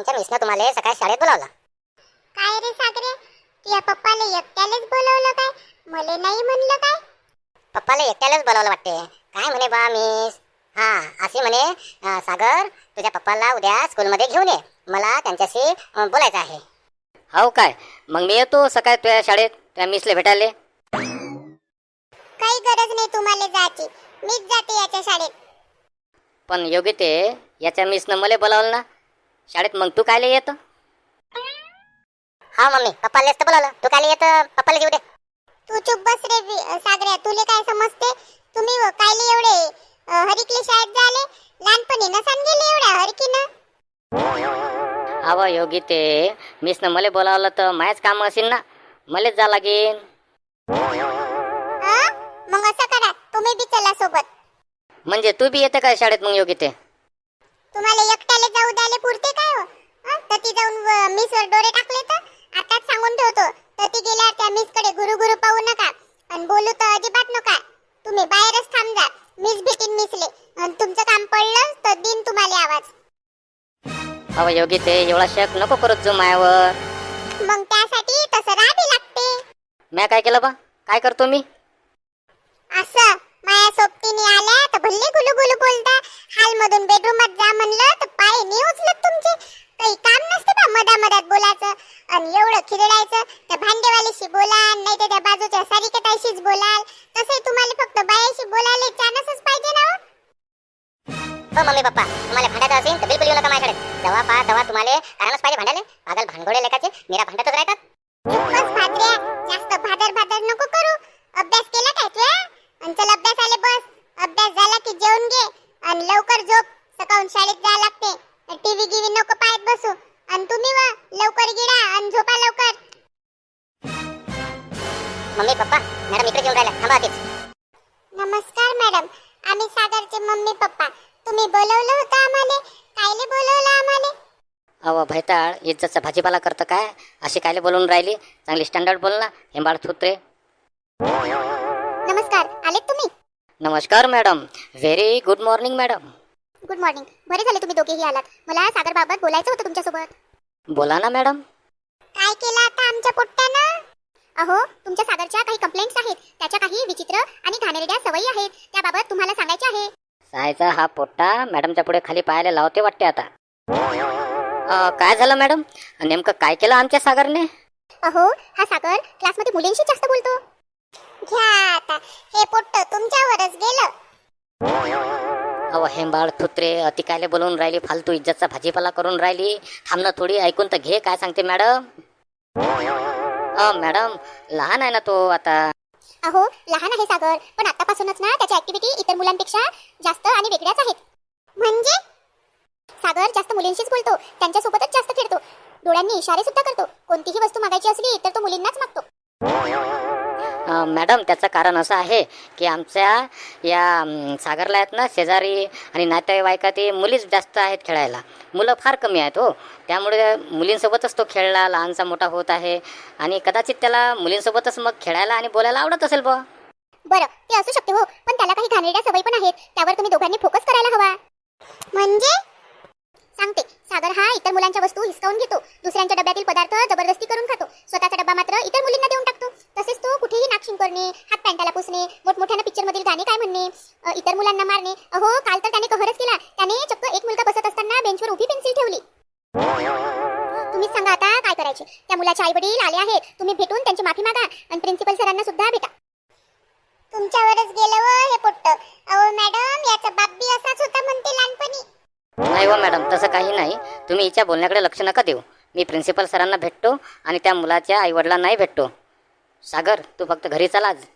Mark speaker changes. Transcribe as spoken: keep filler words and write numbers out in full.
Speaker 1: तुमच्या मिसनं तुम्हाला सकाळी शाळेत बोलावलं.
Speaker 2: काय रे सागरे, तुझ्या पप्पाला एकट्यालाच बोलवलं काय? मला नाही म्हणलं काय?
Speaker 1: पप्पाला एकट्यालाच बोलावलं वाटते. काय म्हणे बा मिस? हा असे म्हणे अं, सागर तुझ्या पप्पाला उद्या स्कूलमध्ये घेऊन ये, मला त्यांच्याशी अं, बोलायचं आहे.
Speaker 3: हो काय, मग मी येतो सकाळी तुझ्या शाळेत त्या मिसले भेटायले.
Speaker 2: काही गरज नाही तुम्हाला जायची, मीच जाते याच्या शाळेत.
Speaker 3: पण योग्य ते याच्या मिसनं मला बोलावलं ना शाळेत, मग तू कायले येतं?
Speaker 1: हा मम्मी, पप्पालाच तर बोलावलं, तू काय येत पप्पाला येऊ दे.
Speaker 2: तू चुप बस रे वि- सागऱ्या, तुले काय समजते? तुम्ही व- कायले एवढे अ, हरिकले शाळेत झाले? लहानपणी नसान गेले एवढ्या हरकीनं?
Speaker 3: अव योगी ते मिसनं मला बोलावलं तर मायच काम असेल ना, मलाच जा लागेल.
Speaker 2: हं? मग असं करा, तुम्ही बी चला सोबत.
Speaker 3: म्हणजे तू बी येते काय शाळेत मग योगी ते?
Speaker 2: तुम्हाला एकट्याला जाऊ द्यायला पुरते काय हो? हं? तर ती जाऊन मिसवर डोरे टाकले तर आताच सांगून ठेवतो, तर ती गेल्यावर त्या मिसकडे गुरु गुरु पाहू नका आणि बोलू तर अजिबात नका. तुम्ही बाहेरच थांब जा, मिस भेटीन मिसले आणि तुमचं काम पडलं तर दिन तुम्हाला आवाज.
Speaker 3: अव योगी ते एवढा शक नको करत जो मायावर.
Speaker 2: मग त्यासाठी तसं राहावे लागते.
Speaker 3: म्या काय केलं बा? काय करतो मी?
Speaker 2: असं माया सोबतीने आल्या तर भल्ले गुलू गुलू बोलता. हाल मधून बेडरूमात जा म्हणलं तर पाय नाही उचलत तुमचे. काही काम नसते बा मधा मधात बोलायचं आणि एवढं खिदडायचं. त्या भांडेवालीशी बोला नाही तर त्या बाजूच्या सारिकताईशीच बोलाल. तसे तुम्हाला फक्त बायाशी बोलायला चान्सच पाहिजे ना हो?
Speaker 1: हो मम्मी पप्पा, तुम्हाला भांडायचं असेल तर बिलकुल येऊ नका माझ्याकडे. जेव्हा पहा तेव्हा तुम्हाला कारणच पाहिजे भांडायला. पागल भानगोडे लेखाचे निरा भांडतच राहतात.
Speaker 2: बस भाद्र्या, जास्त भादर भादर नको करू. अभ्यास केला काय तू? आणि चल अभ्यासाला बस. अभ्यास झाला की जेवून घे आणि लवकर झोप. सकाळून शाळेत जायला लागते. टीव्ही गिवी नको पाहत बसू. आणि तुम्ही वा लवकर गिळा आणि झोपा लवकर.
Speaker 1: मम्मी पप्पा, मॅडम इकडे येऊन राहिल्या, थांबा तेच.
Speaker 2: नमस्कार मॅडम, आम्ही सागरचे मम्मी पप्पा. तुम्ही बोलवलं होतं आम्हाला? कायले बोलवलं आम्हाला?
Speaker 3: अव भैताळ इज्जतचा भाजीपाला करतं काय? अशी कायले बोलून राहिली? चांगली स्टँडर्ड बोल ना, हेंबाळ थुत्रे.
Speaker 2: नमस्कार, आलेत तुम्ही?
Speaker 3: नमस्कार madam, very good morning madam.
Speaker 2: Good morning. बरे झाले तुम्ही दोघेही आलात. मला सागर बाबत बोलायचं होतं तुमच्यासोबत.
Speaker 3: बोला ना मॅडम.
Speaker 2: काय केलं आता आमच्या पोट्ट्यानं? अहो, तुमच्या सागरच्या काही कंप्लेंट्स आहेत. त्याच्या काही विचित्र आणि घाणेरड्या सवयी आहेत. त्याबाबत तुम्हाला सांगायचे आहे.
Speaker 3: सायचा हा पोट्टा मॅडमच्या पुढे खाली पाहायला लावते वाटते आता. अ, काय झालं मॅडम? नेमकं काय केलं आमच्या सागरने?
Speaker 2: अहो, हा सागर क्लासमध्ये मुलींशी जास्त बोलतो. घ्या आता, हे पोट्ट तुमच्यावरच गेलं.
Speaker 3: अव हेंबाळ थुत्रे, अति कायले बोलून राहिली? फालतू इज्जतचा भाजीपाला करून राहिली. थांब ना थोडी, ऐकून तर घे काय सांगते मॅडम. अ मॅडम, लहान आहे ना तो आता.
Speaker 2: अहो, लहान आहे सागर, पण आतापासूनच ना त्याच्या ऍक्टिव्हिटी इतर मुलांपेक्षा जास्त आणि वेगळ्याच आहेत. म्हणजे सागर जास्त मुलींशीच बोलतो, त्यांच्यासोबतच जास्त खेळतो, डोळ्यांनी इशारे सुद्धा करतो. कोणतीही वस्तू मागायची असली तर तो मुलींनाच मागतो.
Speaker 3: अ, मॅडम, त्याचं कारण असं आहे की आमच्या या अम, सागरला आहेत ना शेजारी आणि नातेवाईकात मुलीच जास्त आहेत खेळायला. मुलं फार कमी आहेत हो. त्यामुळे मुलींसोबतच तो खेळला लहानसा मोठा होत आहे आणि कदाचित त्याला मुलींसोबतच मग खेळायला आणि बोलायला आवडत असेल बा.
Speaker 2: बरं, ते असू शकते हो, पण त्याला काही घाणेरड्या सवयी पण आहेत. त्यावर तुम्ही दोघांनी फोकस करायला हवा. म्हणजे सांगते, सागर हा इतर मुलांच्या वस्तू हिसकावून घेतो, दुसऱ्यांच्या डब्यातील पदार्थ जबरदस्ती करून खातो, स्वतःचा डब्बा मात्र इतर मुलींना देऊन टाकतो. तसेच तो कुठेही नाकशिंग करणे, हात पॅन्टाला पुसणे, मोठमोठ्यानं पिक्चर मधील गाणे काय म्हणणे, अ, इतर मुलांना मारणे. अहो, काल तर त्याने कहरच केला. त्याने चक्क एक मुलगा बसत असताना बेंचवर उभी पेन्सिल ठेवली. तुम्हीच सांगा आता काय करायचे? त्या मुलाचे आई वडील आले आहेत. तुम्ही भेटून त्यांची माफी मागा आणि प्रिन्सिपल सरांना सुद्धा भेटा. तुमच्यावरच गेलं व हे पोट्ट. अहो मॅडम, याचा बाप बी असाच होता म्हणते लहानपणी.
Speaker 3: नाही हो मॅडम, तसं काही नाही. तुम्ही हिच्या बोलण्याकडे लक्ष नका देऊ. मी प्रिन्सिपल सरांना भेटतो आणि त्या मुलाच्या आईवडिलांनाही भेटतो. सागर, तू फक्त घरी चला आज.